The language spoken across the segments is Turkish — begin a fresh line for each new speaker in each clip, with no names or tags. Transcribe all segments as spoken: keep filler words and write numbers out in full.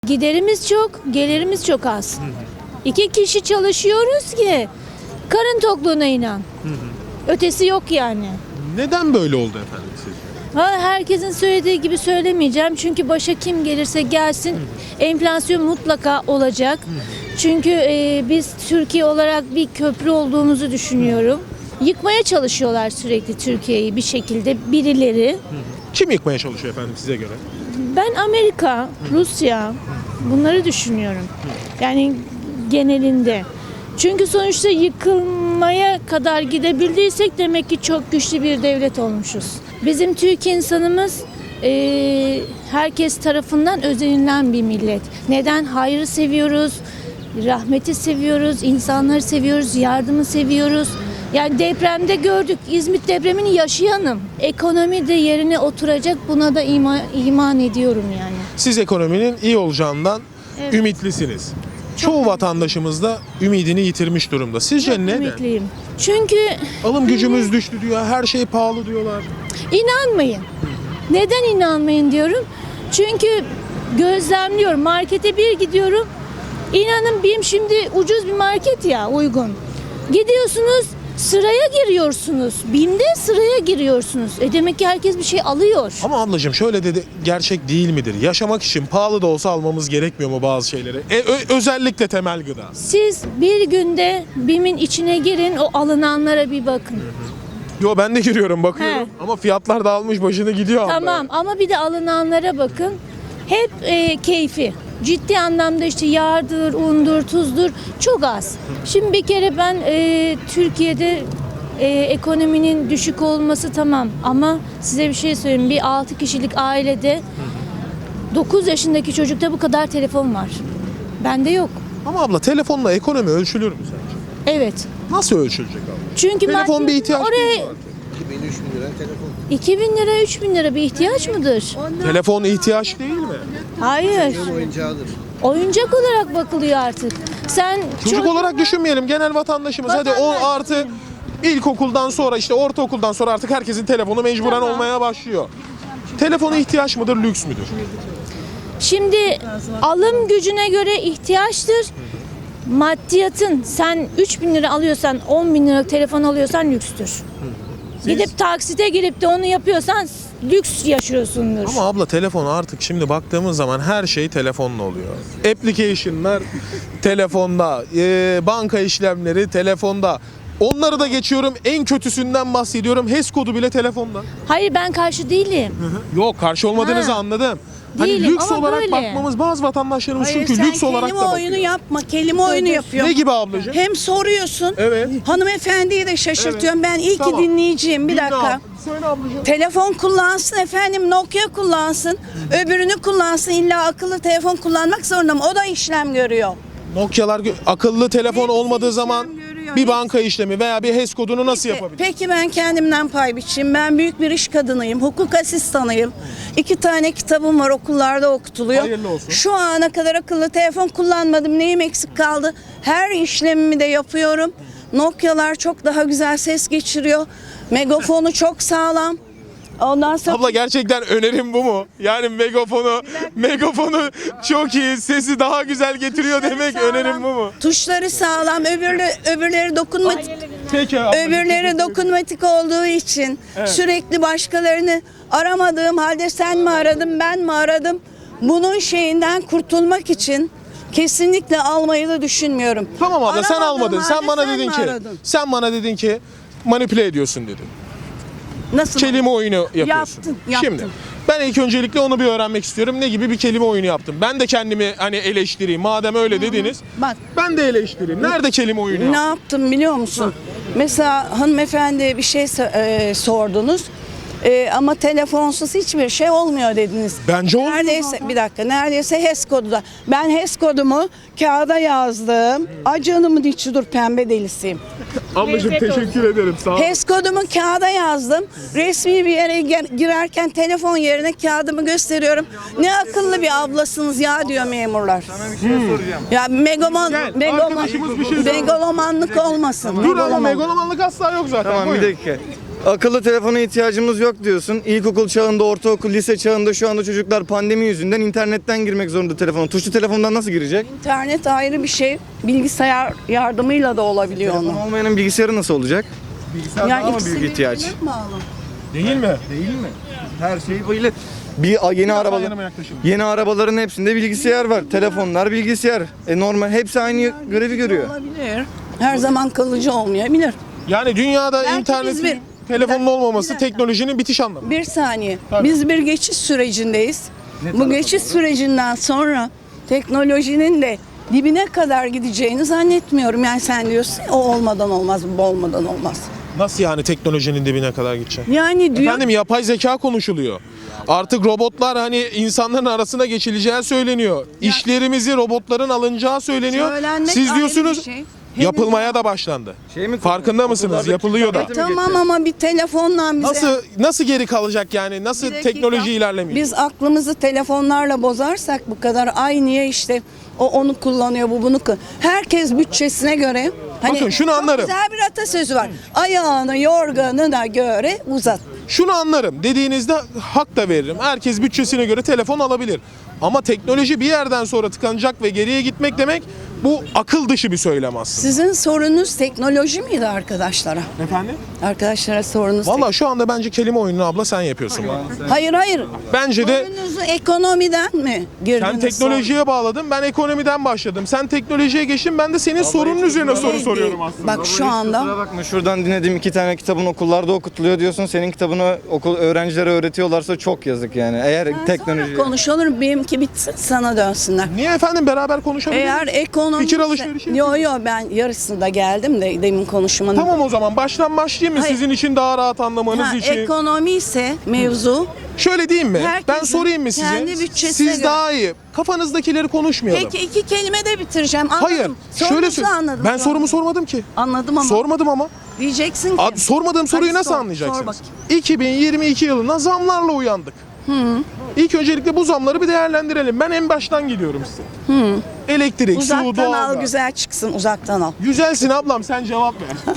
Giderimiz çok, gelirimiz çok az. Hı hı. İki kişi çalışıyoruz ki karın tokluğuna inan. Hı hı. Ötesi yok yani.
Neden böyle oldu efendim sizce?
Ha, herkesin söylediği gibi söylemeyeceğim. Çünkü başa kim gelirse gelsin, hı hı, enflasyon mutlaka olacak. Hı hı. Çünkü e, biz Türkiye olarak bir köprü olduğumuzu düşünüyorum. Hı hı. Yıkmaya çalışıyorlar sürekli Türkiye'yi bir şekilde birileri. Hı hı.
Kim yıkmaya çalışıyor efendim size göre?
Ben Amerika, Rusya bunları düşünüyorum. Yani genelinde. Çünkü sonuçta yıkılmaya kadar gidebildiysek demek ki çok güçlü bir devlet olmuşuz. Bizim Türk insanımız e, herkes tarafından özenilen bir millet. Neden? Hayrı seviyoruz, rahmeti seviyoruz, insanları seviyoruz, yardımı seviyoruz. Yani depremde gördük, İzmit depremini yaşayanım. Ekonomi de yerine oturacak, buna da iman, iman ediyorum yani.
Siz ekonominin iyi olacağından
Evet.
ümitlisiniz. Çoğu vatandaşımız da ümidini yitirmiş durumda. Sizce
Çok
neden?
ümitliyim. Çünkü
Alım gücümüz düştü diyor, her şey pahalı diyorlar.
inanmayın. Neden inanmayın diyorum? Çünkü gözlemliyorum. Markete bir gidiyorum. İnanın BİM şimdi ucuz bir market ya, uygun. Gidiyorsunuz, sıraya giriyorsunuz. BİM'de sıraya giriyorsunuz. E demek ki herkes bir şey alıyor.
Ama ablacığım şöyle dedi, gerçek değil midir? Yaşamak için pahalı da olsa almamız gerekmiyor mu bazı şeyleri? E, ö- özellikle temel gıda.
Siz bir günde BİM'in içine girin, o alınanlara bir bakın.
Yo ben de giriyorum bakıyorum
He.
ama fiyatlar da almış başını gidiyor. abla.
Tamam ama bir de alınanlara bakın. Hep e, keyfi. Ciddi anlamda işte yağdır, undur, tuzdur çok az. Şimdi bir kere ben e, Türkiye'de e, ekonominin düşük olması tamam ama size bir şey söyleyeyim. Bir altı kişilik ailede dokuz yaşındaki çocukta bu kadar telefon var. Bende yok.
Ama abla telefonla ekonomi ölçülür mü sence?
Evet.
Nasıl ölçülecek abla?
Çünkü
Telefon
maddi-
bir ihtiyaç
oraya
değil mi artık?
iki bin üç bin lira telefon.
iki bin lira, üç bin lira bir ihtiyaç mıdır?
Telefon ihtiyaç değil mi?
Hayır.
Benim oyuncağıdır.
Oyuncak olarak bakılıyor artık. Sen
Çocuk olarak düşünmeyelim, genel vatandaşımız. Hadi on
Vatandaş.
artı ilkokuldan sonra işte ortaokuldan sonra artık herkesin telefonu mecburen
Tamam.
olmaya başlıyor. Telefona ihtiyaç mıdır, lüks müdür?
Şimdi alım gücüne göre ihtiyaçtır. Maddiyatın sen üç bin lira alıyorsan, on bin liralık telefon alıyorsan lükstür. Gidip taksite girip de onu yapıyorsan lüks yaşıyorsundur.
Ama abla telefon artık şimdi baktığımız zaman her şey telefonla oluyor. Application'lar telefonda, e, banka işlemleri telefonda. Onları da geçiyorum, en kötüsünden bahsediyorum. H E S kodu bile telefonda.
Hayır ben karşı değilim.
Yok, karşı olmadığınızı
Ha.
anladım. Hani
Değilim
lüks
ama
olarak
böyle.
bakmamız bazı vatandaşlarımız
Hayır,
çünkü
sen
lüks olarak da
kelime
bakıyor.
oyunu yapma. Kelime oyunu yapıyor.
Ne gibi ablacığım?
Hem soruyorsun.
Evet.
Hanımefendiyi de şaşırtıyorum. Ben iyi
Tamam.
ki dinleyeceğim. Bir
Dinle
dakika.
abla. Söyle ablacığım.
Telefon kullansın efendim. Nokia kullansın. Öbürünü kullansın. İlla akıllı telefon kullanmak zorunda mı? O da işlem görüyor.
Nokia'lar gö- akıllı telefon
Hepsi
olmadığı
işlem
zaman
görüyor,
bir
hepsi.
banka işlemi veya bir H E S kodunu nasıl yapabilir?
Peki ben kendimden pay biçeyim. Ben büyük bir iş kadınıyım. Hukuk asistanıyım. İki tane kitabım var, okullarda okutuluyor.
Hayırlı olsun.
Şu ana kadar akıllı telefon kullanmadım. Neyim eksik kaldı? Her işlemimi de yapıyorum. Nokia'lar çok daha güzel ses geçiriyor. Megafonu çok sağlam. Ondan sonra
Abla gerçekten önerim bu mu? Yani megafonu, megafonu çok iyi, sesi daha güzel getiriyor demek
sağlam.
önerim bu mu?
Tuşları sağlam. Öbürleri, öbürleri dokunmatik.
Peki ablacığım.
Öbürleri dokunmatik olduğu için sürekli başkalarını aramadığım halde sen mi aradın ben mi aradım? Bunun şeyinden kurtulmak için kesinlikle almayı da düşünmüyorum.
Tamam abla sen
Aramadığım
almadın. Sen
halde
bana
sen
dedin
mi
ki,
aradın?
sen bana dedin ki manipüle ediyorsun dedin.
Nasıl?
Kelime oyunu yapıyorsun.
Yaptım, yaptım.
Şimdi ben ilk öncelikle onu bir öğrenmek istiyorum. Ne gibi bir kelime oyunu yaptım? Ben de kendimi hani eleştireyim. Madem öyle dediniz.
Bak.
Ben de eleştireyim. Nerede kelime oyunu
Ne
yaptım?
yaptım biliyor musun? Mesela hanımefendi bir şey so- e, sordunuz. E, ama telefonsuz hiçbir şey olmuyor dediniz.
Bence olmuyor
Neredeyse bir dakika neredeyse H E S kodu da. Ben H E S kodumu kağıda yazdım. Ay canımın içi dur pembe delisiyim.
Ablacığım teşekkür ederim. Sağ ol.
H E S kodumu kağıda yazdım. Resmi bir yere gel- girerken telefon yerine kağıdımı gösteriyorum. Ne akıllı bir ablasınız ya diyor memurlar. Sana bir şey soracağım. Ya megaman,
Gel,
megaman,
arkadaşımız bir şey sordu.
megalomanlık olmasın.
Dur ama
megaloman.
megalomanlık asla yok zaten.
Tamam bir
Buyurun.
dakika. Akıllı telefona ihtiyacımız yok diyorsun. İlkokul çağında, ortaokul, lise çağında şu anda çocuklar pandemi yüzünden internetten girmek zorunda telefona. Tuşlu telefondan nasıl girecek?
İnternet ayrı bir şey. Bilgisayar yardımıyla da olabiliyor
Telefon
onu.
olmayanın bilgisayarı nasıl olacak? Bilgisayar daha mı
ikisi
büyük ihtiyaç?
birbirine bağlı.
Değil mi?
Değil mi? Her şey böyle. Bir a- yeni
Biraz
arabalar,
yanıma yaklaşın.
yeni arabaların hepsinde bilgisayar var. Telefonlar bilgisayar. E normal hepsi aynı görevi görüyor.
Olabilir. Her zaman kalıcı olmayabilir.
Yani dünyada
Belki biz
internetin,
bir-
telefonun
bir
olmaması
dakika.
teknolojinin bitiş anlamı.
Bir saniye.
Tabii.
Biz bir geçiş sürecindeyiz. Bu geçiş sürecinden sonra teknolojinin de dibine kadar gideceğini zannetmiyorum. Yani sen diyorsun ya, o olmadan olmaz, bu olmadan olmaz.
Nasıl yani teknolojinin dibine kadar gidecek?
Yani diyor
Efendim yapay zeka konuşuluyor. Artık robotlar hani insanların arasına geçileceği söyleniyor. İşlerimizi robotların alınacağı söyleniyor.
Söylenmek
Siz
ayrı
diyorsunuz
bir şey. Henüz
yapılmaya da başlandı.
Şey mi
Farkında mısınız?
Okullardaki
Yapılıyor da.
tablete mi
tamam
geçecek?
ama bir telefonla bize...
Nasıl nasıl geri kalacak yani? Nasıl
Bir dakika.
teknoloji ilerlemiyor?
Biz aklımızı telefonlarla bozarsak bu kadar, ay niye işte o onu kullanıyor, bu bunu kullanıyor. Herkes bütçesine göre. Hani
Bakın şunu
çok
anlarım.
güzel bir atasözü var. Ayağını yorganına göre uzat.
Şunu anlarım. Dediğinizde hak da veririm. Herkes bütçesine göre telefon alabilir. Ama teknoloji bir yerden sonra tıkanacak ve geriye gitmek demek bu akıl dışı bir söylem aslında.
Sizin sorunuz teknoloji miydi arkadaşlara?
Efendim?
Arkadaşlara sorunuz
Valla şu anda bence kelime oyununu abla sen yapıyorsun. bana.
Hayır hayır.
Bence de
Sorunuzu ekonomiden mi girdiniz?
sen teknolojiye bağladın, ben ekonomiden başladım. Sen teknolojiye geçtin, ben de senin sorunun üzerine soru
Değil,
soruyorum
değil.
aslında.
Bak şu anda
Kusura bakma, şuradan dinlediğim iki tane kitabın okullarda okutuluyor diyorsun. Senin kitabını okul öğrencilere öğretiyorlarsa çok yazık yani. Eğer teknoloji...
konuşulur, benimki bitsin sana dönsünler.
Niye efendim, beraber konuşabiliriz?
Eğer ekonomi...
Fikir alışverişi
Yo yo, ben yarısında geldim de demin konuşmanın.
Tamam o zaman baştan başlayayım mı
Hayır.
sizin için daha rahat anlamanız
Ha,
için?
ekonomi ise mevzu.
Şöyle diyeyim mi?
Herkesin
Ben sorayım mı size?
kendi bütçesine
Siz
göre.
daha iyi. Kafanızdakileri konuşmayalım.
Peki iki kelime de bitireceğim. Anladım.
Hayır.
Sorunuzu
Şöyle söyle.
anladım.
Ben
şu
sorumu
an.
sormadım ki.
Anladım ama.
Sormadım ama.
Diyeceksin ki.
Ad- sormadığım soruyu
Hadi
nasıl
sor, sor
anlayacaksınız?
bakayım.
iki bin yirmi iki yılına zamlarla uyandık. İlk öncelikle bu zamları bir değerlendirelim. Ben en baştan gidiyorum size. Elektrik, su,
Uzaktan al,
doğalgaz.
güzel çıksın, uzaktan al.
Güzelsin ablam, sen cevap ver.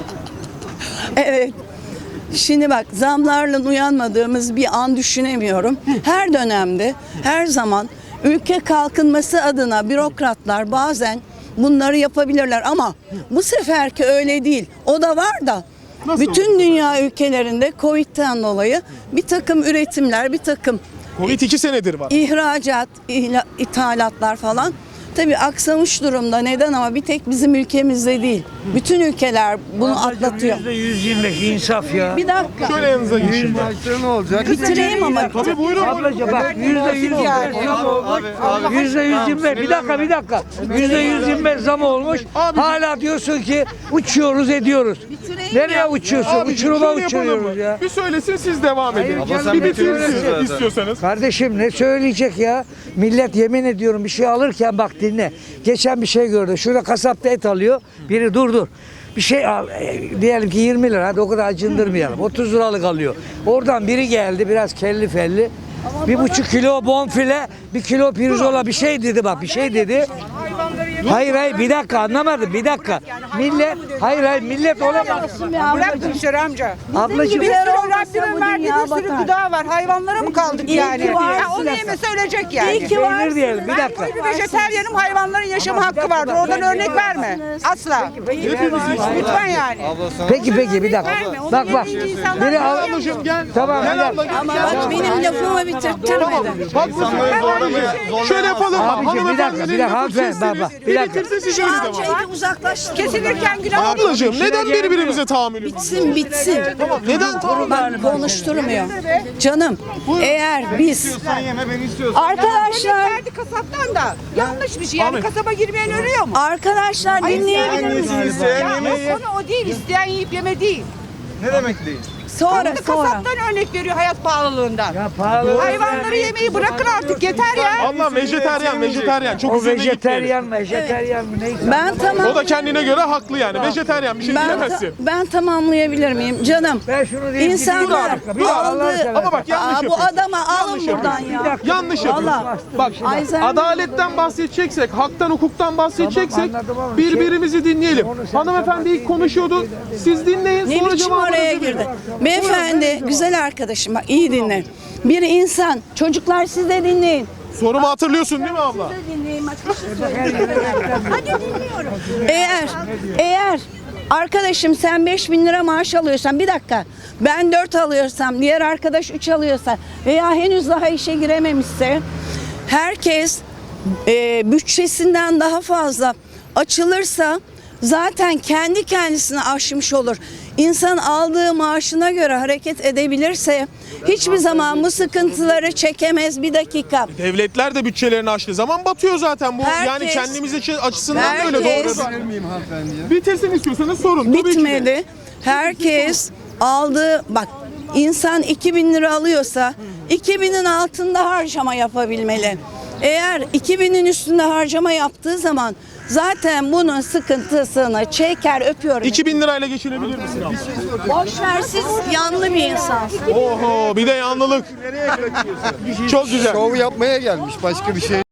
Evet. Şimdi bak, zamlarla uyanmadığımız bir an düşünemiyorum. Her dönemde, her zaman ülke kalkınması adına bürokratlar bazen bunları yapabilirler ama bu seferki öyle değil. O da var da
Nasıl
bütün dünya ülkelerinde Covid'den dolayı bir takım üretimler, bir takım
Covid iki senedir var.
ihracat, ihla- ithalatlar falan tabii aksamış durumda. Neden ama bir tek bizim ülkemizde değil. Bütün ülkeler bunu atlatıyor.
yüzde yüz yirmi beş insaf ya.
Bir dakika.
Şöyle yanınıza geçeyim.
Ne olacak?
Bitireyim ama.
Tabii buyurun.
Ablacığım bak yüzde yüz zam olmuş. Yüzde yüz yirmi beş. Bir dakika bir dakika. Yüzde yüz yirmi beş zam olmuş.
Abi-
Hala diyorsun ki uçuyoruz ediyoruz.
Bitireyim
Nereye
ya.
uçuyorsun?
Abi
Uçuruma
şöyle yapalım
uçuruyoruz
mı?
ya.
Bir söylesin siz devam edin.
Hayır,
sen
bir
bitirirsin
bitirin
zaten.
istiyorsanız.
Kardeşim ne söyleyecek ya? Millet yemin ediyorum bir şey alırken bak dinle. Geçen bir şey gördü. Şurada kasapta et alıyor. Biri dur dur. Bir şey al. e, diyelim ki yirmi lira. Hadi o kadar acındırmayalım. otuz liralık alıyor. Oradan biri geldi biraz kelli felli. Bir buçuk kilo bonfile, bir kilo pirzola bir şey dedi bak bir şey dedi. Hayır hayır bir dakika anlamadım bir dakika. Millet hayır hayır millet ona bak.
Bırak Gülşer amca.
Ablacığım
Bir sürü
olmasa
Rabbinin
bu
verdiği
dünya
bir sürü
batar.
gıda var. Hayvanlara mı kaldık
İyi
yani?
ki varsın.
Ya onu yemese ölecek yani.
İyi ki varsın.
Peynir diyelim bir
Ben
dakika.
koyu bir vejeteryanım, hayvanların yaşama hakkı vardır. Oradan örnek verme. Asla. Lütfen yani.
Peki peki bir dakika.
Verme, onu
Bak bak.
yediğinci insanlar
Biri al.
Ablacığım gel.
Tamam bir
Gel abla
dakika.
gel.
Ama bak benim lafımı bitirttirmedin.
Bak şöyle yapalım mı?
Abicim bir dakika bir dakika hanımefendi bak bak bir dakika.
Bitirse siz
Şu
öyle
an
devam.
şeyi uzaklaştır.
Kesilirken günah.
Ablacığım neden birbirimize tahammülümüz?
Bitsin bitsin.
Neden tahammül?
Bak konuşturmuyor. Canım eğer biz
Sen yeme, ben istiyorsan.
arkadaşlar
Verdi kasaptan da. Yanlış bir şey. Yani
Ahmet.
kasaba girmeyen ölüyor mu?
arkadaşlar dinleyebilir misiniz?
Hangisini isteyen
Ya
yemeği?
o konu o değil. İsteyen yiyip yeme değil.
Ne demek değil?
Sonra
Şimdi
sonra.
kasaptan örnek veriyor hayat pahalılığından.
Ya pahalı.
Hayvanları yemeyi bırakın artık yeter ya.
Allah vejeteryan, vejeteryan. Çok
O
üzerine gitmeyelim.
vejeteryan vejeteryan mı neyse.
Ben tamam.
O da kendine göre haklı yani. Vejeteryan bir şey
Ben,
diyemezsin.
ben tamamlayabilir miyim canım?
Ben şunu diyeyim.
İnsanlar
Bir dakika, bir dakika.
aldı.
Ama bak yanlış
Aa, bu
yapıyorsun.
adama alın
Yanlış
buradan
yapıyorsun.
ya.
Yanlış yapıyorsun.
Valla.
Bak
Ay sen-
adaletten bahsedeceksek, haktan hukuktan bahsedeceksek
Tamam, anladım ama
birbirimizi dinleyelim.
Onu sen
Hanımefendi ilk
sabah-
konuşuyordu. Siz dinleyin
Ne
sonra
biçim
cevabınızı
oraya
verin.
girdi? Beyefendi, güzel arkadaşım bak iyi dinle. Bir insan, çocuklar siz de dinleyin.
Sorumu hatırlıyorsun değil mi abla?
Dinleyin bak bir şey söyleyeyim. Hadi dinliyorum. Eğer, eğer arkadaşım sen beş bin lira maaş alıyorsan bir dakika ben dört alıyorsam diğer arkadaş üç alıyorsa veya henüz daha işe girememişse herkes e, bütçesinden daha fazla açılırsa zaten kendi kendisini aşmış olur. İnsan aldığı maaşına göre hareket edebilirse hiçbir zaman bu sıkıntıları çekemez. Bir dakika.
Devletler de bütçelerini açtığı zaman batıyor zaten bu.
Herkes-
yani kendimiz için açısından da öyle
Herkes-
doğru. Bitirsin istiyorsanız sorun. Tabii ki de.
Bitmedi. Herkes aldığı bak insan iki bin lira alıyorsa iki binin altında harcama yapabilmeli. Eğer iki binin üstünde harcama yaptığı zaman zaten bunun sıkıntısını çeker öpüyorum.
iki bin lirayla geçinebilir misin abla?
Boş ver siz yanlı bir insansın.
Oho bir de yanlılık. Çok güzel.
Şov yapmaya gelmiş başka bir şey.